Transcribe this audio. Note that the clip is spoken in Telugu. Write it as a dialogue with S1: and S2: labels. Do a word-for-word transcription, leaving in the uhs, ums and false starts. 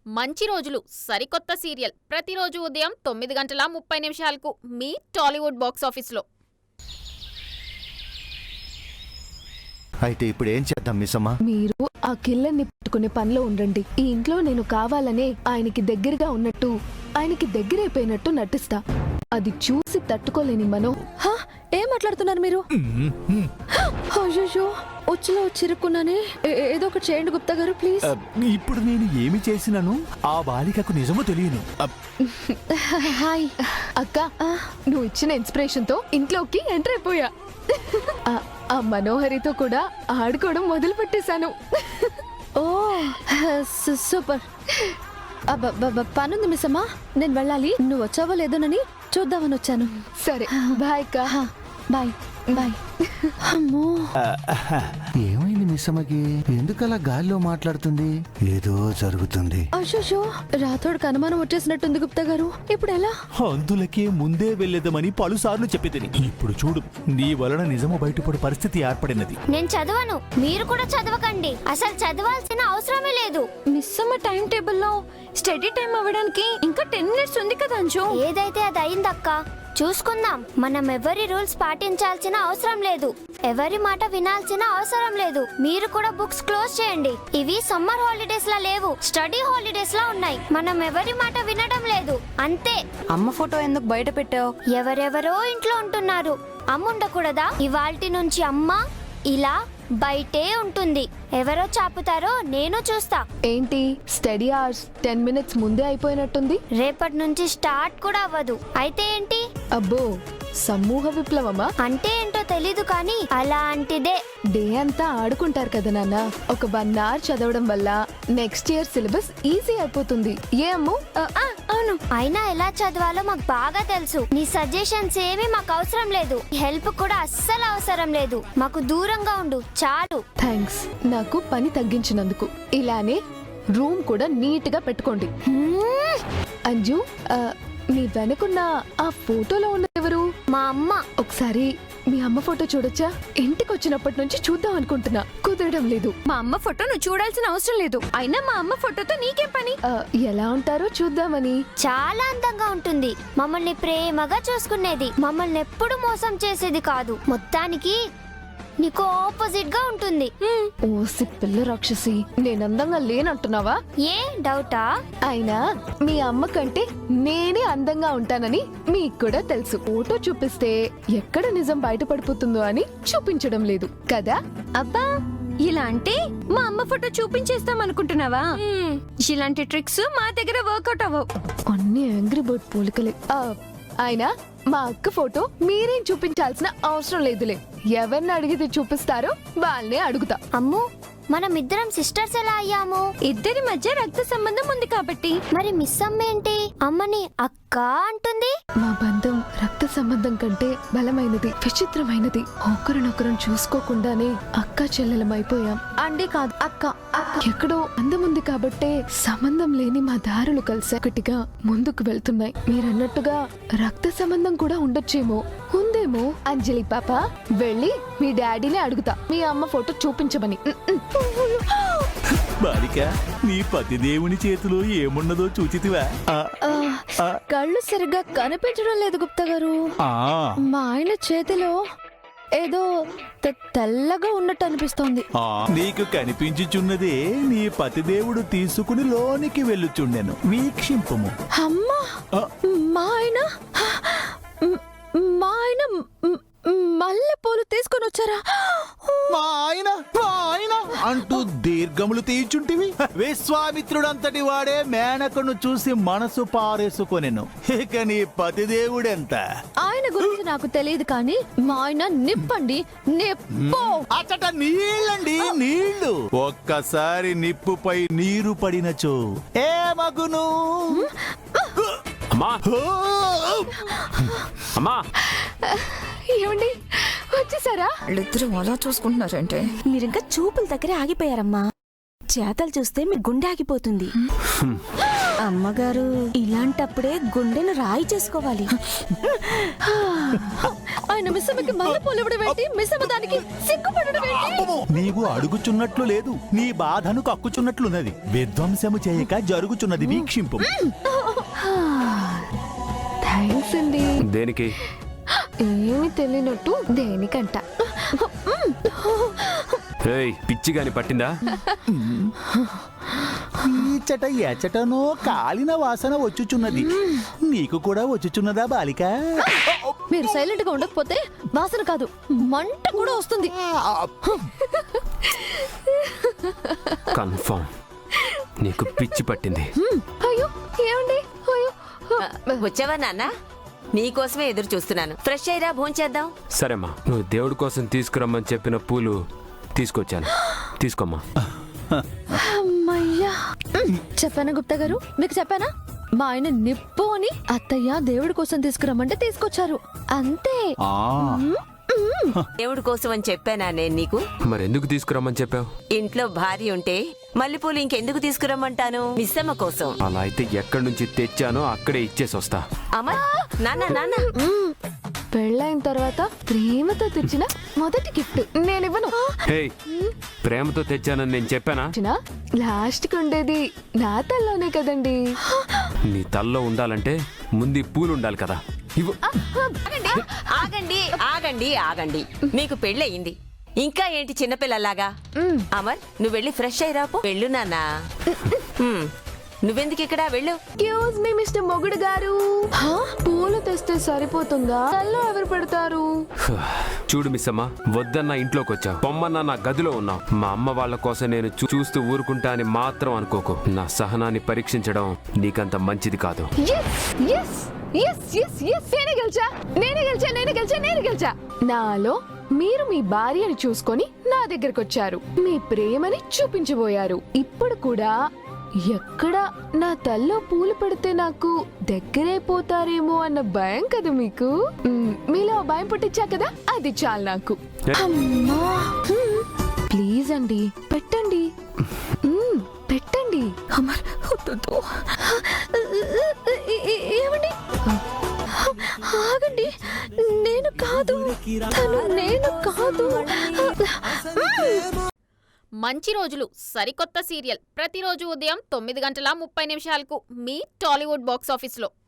S1: మంచి రోజులు సరికొత్త సీరియల్ ప్రతిరోజు ఉదయం తొమ్మిది గంటల ముప్పై నిమిషాలకు మీ టాలీవుడ్ బాక్స్ ఆఫీస్లో.
S2: అయితే ఇప్పుడు ఏం చేద్దాం మిస్సమ్మ?
S3: మీరు ఆ కిల్లర్ని పట్టుకునే పనిలో ఉండండి. ఈ ఇంట్లో నేను కావాలనే ఆయనకి దగ్గరగా ఉన్నట్టు, ఆయనకి దగ్గరైపోయినట్టు నటిస్తా. అది చూసి తట్టుకోలేని మనో. ఏం మాట్లాడుతున్నారు మీరు? అయ్యో ఉచ్చులో చిరుక్కున్నానే. ఏదో ఒకటి చేయండి గుప్తా గారు ప్లీజ్.
S4: ఇప్పుడు నేను ఏమి చేసినాను ఆ బాలికకు నిజమో తెలియను.
S3: హాయ్ అక్క, నువ్వు ఇచ్చిన ఇన్స్పిరేషన్ తో ఇంట్లోకి ఎంటర్ అయిపోయా. ఆ మనోహరితో కూడా ఆడుకోవడం మొదలు పెట్టేశాను. ఓ సూపర్. పనుంది మిస్ అమ్మా, నేను వెళ్ళాలి. నువ్వు వచ్చావో లేదోనని చూద్దామని వచ్చాను. సరే బాయ్ అక్క. Bye bye. అమ్మో,
S2: ఏమైంది మిస్సమ్మకి? ఎందుకలా గాల్లో మాట్లాడుతుంది? ఏదో జరుగుతుంది.
S3: అయ్యో రాథోడ్కి అనుమానం వచ్చేసినట్టుంది గుప్తా గారు. ఇప్పుడు ఎలా?
S4: అందులకే ముందే వెళ్ళేదమని పలుసార్లు చెప్పేదని. ఇప్పుడు చూడు, నీ వలన నిజము బయటపడే పరిస్థితి ఏర్పడినది.
S5: నేను చదవను, మీరు కూడా చదవకండి. అసలు చదవాల్సిన అవసరమే లేదు.
S3: మిస్ అమ్మ టైం టేబుల్లో స్టడీ టైం అవ్వడానికి ఇంకా టెన్ మినిట్స్ ఉంది కదా అంజు.
S5: ఏదైతే అది అయిందక్క, చూసుకుందాం. మనం ఎవరి రూల్స్ పాటించాల్సిన అవసరం లేదు, ఎవరి మాట వినాల్సిన అవసరం లేదు. మీరు కూడా బుక్స్ క్లోజ్ చేయండి. ఇవి సమ్మర్ హాలిడేస్ లా లేవు, స్టడీ హాలిడేస్ లా ఉన్నాయి. మనం ఎవరి మాట వినడం లేదు, అంతే.
S6: అమ్మ ఫోటో ఎందుకు బయట పెట్టావు?
S5: ఎవరెవరో ఇంట్లో ఉంటున్నారు, అమ్మ ఉండకూడదా? ఇవాల్టి నుంచి అమ్మ ఇలా బయటే ఉంటుంది. ఎవరో చాపుతారో నేను చూస్తా.
S3: ఏంటి స్టడీ అవర్స్ టెన్ మినిట్స్ ముందే అయిపోయినట్టుంది.
S5: రేపటి నుంచి స్టార్ట్ కూడా అవ్వదు. అయితే ఏంటి?
S3: అబ్బో సమూహ విప్లవమా?
S5: అంటే ఏంటో తెలీదు కానీ అలాంటిదే.
S3: డే అంతా ఆడుకుంటారు కదా నాన్న. ఒక వన్ అవర్ చదవడం వల్ల నెక్స్ట్ ఇయర్ సిలబస్ ఈజీ అయిపోతుంది. ఏ అమ్ము?
S5: అవును, అయినా ఎలా చదవాలో మాకు బాగా తెలుసు. నీ సజెషన్స్ ఏమీ మాకు అవసరం లేదు, హెల్ప్ కూడా అస్సలు అవసరం లేదు. మాకు దూరంగా ఉండు చాలు.
S3: థ్యాంక్స్ నాకు పని తగ్గించినందుకు. ఇలానే రూమ్ కూడా నీట్ గా పెట్టుకోండి. అంజు, నీ వెనకున్న ఆ ఫోటోలో ఉన్న ఎవరు?
S5: మా అమ్మ.
S3: ఒకసారి మీ అమ్మ ఫోటో చూడొచ్చా? ఇంటికి వచ్చినప్పటి నుంచి చూద్దాం అనుకుంటున్నా, కుదరడం లేదు.
S6: మా అమ్మ ఫోటో నువ్వు చూడాల్సిన అవసరం లేదు. అయినా మా అమ్మ ఫోటోతో నీకేం పని?
S3: ఎలా ఉంటారో చూద్దామని.
S5: చాలా అందంగా ఉంటుంది, మమ్మల్ని ప్రేమగా చూసుకునేది, మమ్మల్ని ఎప్పుడు మోసం చేసేది కాదు. మొత్తానికి నీకు ఆపోజిట్ గా ఉంటుంది.
S3: ఓసి పిల్ల రాక్షసి, నేనందంగా లేనంటున్నావా?
S5: ఏ డౌటా?
S3: అయినా మీ అమ్మ కంటే నేనే అందంగా ఉంటానని మీకు కూడా తెలుసు. ఫోటో చూపిస్తే ఎక్కడ నిజం బయటపడిపోతుందో అని చూపించడం లేదు కదా?
S6: అబ్బా, ఇలా అంటే మా అమ్మ ఫోటో చూపించేస్తాం అనుకుంటున్నావా? ఇలాంటి ట్రిక్స్ మా దగ్గర వర్కౌట్ అవ్వవు.
S3: అన్ని యాంగ్రీ బర్డ్ పోలికలే. అయినా మా అక్క ఫోటో మీరేం చూపించాల్సిన అవసరం లేదులే. ఎవరిని అడిగితే చూపిస్తారో వాళ్ళనే అడుగుతా.
S5: అమ్ము, మనం ఇద్దరం సిస్టర్స్ ఎలా అయ్యాము?
S6: ఇద్దరి మధ్య రక్త సంబంధం ఉంది కాబట్టి.
S5: మరి మిస్ అమ్మ ఏంటి అమ్మని అక్క అంటుంది?
S3: మా బంధం రక్త సంబంధం కంటే బలమైనది, విచిత్రమైనది. ఒకరినొకరం చూసుకోకుండానే అక్క చెల్లెలమైపోయాం.
S6: అండి కాదు అక్క.
S3: ఎక్కడో అందం ఉంది కాబట్టే సంబంధం లేని మా దారులు కలిసి ఒకటిగా ముందుకు వెళ్తున్నాయి. మీరన్నట్టుగా రక్త సంబంధం కూడా ఉండొచ్చేమో, ఉందేమో. అంజలి పాప, వెళ్ళి మీ డాడీని అడుగుతా మీ అమ్మ ఫోటో చూపించమని.
S4: బాలిక, నీ పతిదేవుని చేతిలో ఏమున్నదో చూచితివా?
S3: కళ్ళు సరిగ్గా కనిపించడం లేదు గుప్తా గారు. మా ఆయన చేతిలో ఏదో తెల్లగా ఉన్నట్టు అనిపిస్తోంది.
S4: నీకు కనిపించుచున్నదే నీ పతిదేవుడు తీసుకుని లోనికి వెళ్ళుచుండెను, వీక్షింపము.
S3: అమ్మా, మా ఆయన మా ఆయన మల్లె పూలు తీసుకొని వచ్చారా?
S4: మా ఆయన మా ఆయన అంటూ దీర్ఘములు తీర్చుంటివి. విశ్వామిత్రుడంతటి వాడే మేనకను చూసి మనసు పారేసుకొనెను. ఇక నీ పతిదేవుడెంత?
S3: ఆయన గురించి నాకు తెలియదు కానీ మా ఆయన నిప్పండి, నిప్పు.
S4: అచ్చట నీళ్ళండి, నీళ్లు. ఒక్కసారి నిప్పుపై నీరు పడినచో ఏ మగును.
S3: ఏమండి వచ్చేసారా?
S6: వాళ్ళిద్దరూ అలా చూసుకుంటున్నారంటే
S7: మీరింకా చూపుల దగ్గరే ఆగిపోయారమ్మా. చేతలు చూస్తే మీ గుండె ఆగిపోతుంది. అమ్మగారు ఇలాంటప్పుడే గుండెను రాయి చేసుకోవాలి.
S3: ఆయన మిస్సమ్మకి మళ్ళీ పొలవడం ఏంటి? మిస్సమ్మ దానికి సిగ్గుపడడం ఏంటి?
S4: నీవు అడుగుచున్నట్లు లేదు, నీ బాధను కక్కుచున్నట్లున్నది. విధ్వంసము చేయక జరుగుచున్నది వీక్షింపు.
S3: థ్యాంక్స్ అండి.
S8: దేనికి?
S3: ఏమి తెలియనట్టు దేనికంట.
S8: ఏయ్, పిచ్చిగాని పట్టిందా?
S4: ఈచట ఎచటనో కాలిన వాసన వచ్చుచున్నది. నీకు కూడా వచ్చుచున్నదా బాలిక?
S3: మీరు సైలెంట్ గా ఉండకపోతే వాసన కాదు మంట కూడా వస్తుంది.
S8: కన్ఫర్మ్ నీకు పిచ్చి పట్టింది.
S3: అయ్యో ఏమండి? అయ్యో
S9: వచ్చావా నాన్న? నీకోసమే ఎదురు చూస్తున్నాను. ఫ్రెష్ అయ్యిరా, భోంచేద్దాం.
S8: సరేమ్మా, నువ్వు దేవుడి కోసం తీసుకురమ్మని చెప్పిన పూలు తీసుకొచ్చాను, తీసుకోమ్మా.
S3: అమ్మయ్యా. చెప్పానా గుప్తా గారు? మీకు చెప్పానా? మా ఆయన నిప్పు అని అత్తయ్య దేవుడి కోసం తీసుకురమ్మంటే తీసుకొచ్చారు అంతే.
S9: దేవుడి కోసం అని చెప్పానా నేను నీకు?
S8: మరెందుకు తీసుకురమ్మని చెప్పావు?
S9: ఇంట్లో భార్య ఉంటే మల్లెపూలు ఇంకెందుకు తీసుకురమ్మంటాను? మిస్సమ్మ కోసం.
S8: అలా అయితే ఎక్కడి నుంచి తెచ్చానో అక్కడే ఇచ్చేసి వస్తా.
S9: అమర్, నాన్న నాన్న
S3: పెళ్ళైన తర్వాత ప్రేమతో తెచ్చిన మొదటి గిఫ్ట్ నేను ఇవ్వను.
S8: హే, ప్రేమతో తెచ్చానని నేను చెప్పానా?
S3: లాస్ట్ కి ఉండేది నా తల్లోనే కదండి.
S8: నీ తల్లో ఉండాలంటే ముందు ఈ పూలు ఉండాలి కదా. ఇవ్వు.
S9: ఆగండి ఆగండి ఆగండి. మీకు పెళ్ళయింది, ఇంకా ఏంటి చిన్నపిల్లలాగా? అమర్, నువ్వు వెళ్ళి ఫ్రెష్ అయ్యిరా పో. వెళ్ళు నాన్న. హ్మ్, నువ్వెందుకు ఇక్కడ? వెళ్ళు.
S3: ఎక్స్క్యూజ్ మీ మిస్టర్ మొగుడు గారు, పూలు తెస్తే సరిపోతుందా? తల్లో ఎవరు పెడతారు?
S8: చూడు మిస్సమ్మ, వద్దన్నా ఇంట్లోకి వచ్చావు, పొమ్మన్నా నా గదిలో ఉన్నావు. మా అమ్మ వాళ్ళ కోసం నేను చూ- చూస్తూ ఊరుకుంటా అని మాత్రం అనుకోకు. నా సహనాన్ని పరీక్షించడం నీకంత మంచిది కాదు.
S3: Yes, yes, yes, yes, yes. నేనే గెలిచా నేనే గెలిచా నేనే గెలిచా నేనే గెలిచా నాలో మీరు మీ భార్యని చూసుకొని నా దగ్గరకు వచ్చారు, మీ ప్రేమని చూపించబోయారు. ఇప్పుడు కూడా ఎక్కడ నా తల్లో పూలు పెడితే నాకు దగ్గరైపోతారేమో అన్న భయం కదా మీకు. మ్, మీలో ఆ భయం పుట్టించా కదా, అది చాలు నాకు. అమ్మా, మ్, ప్లీజ్ అండి పెట్టండి. మ్, పెట్టండి. అమర్, వద్దు. ఏ- ఏ- ఏమండి? ఆగండి, నేను కాదు, తను నేను కాదు.
S1: మంచి రోజులు సరికొత్త సీరియల్ ప్రతిరోజు ఉదయం తొమ్మిది గంటల ముప్పై నిమిషాలకు మీ టాలీవుడ్ బాక్స్ ఆఫీస్లో.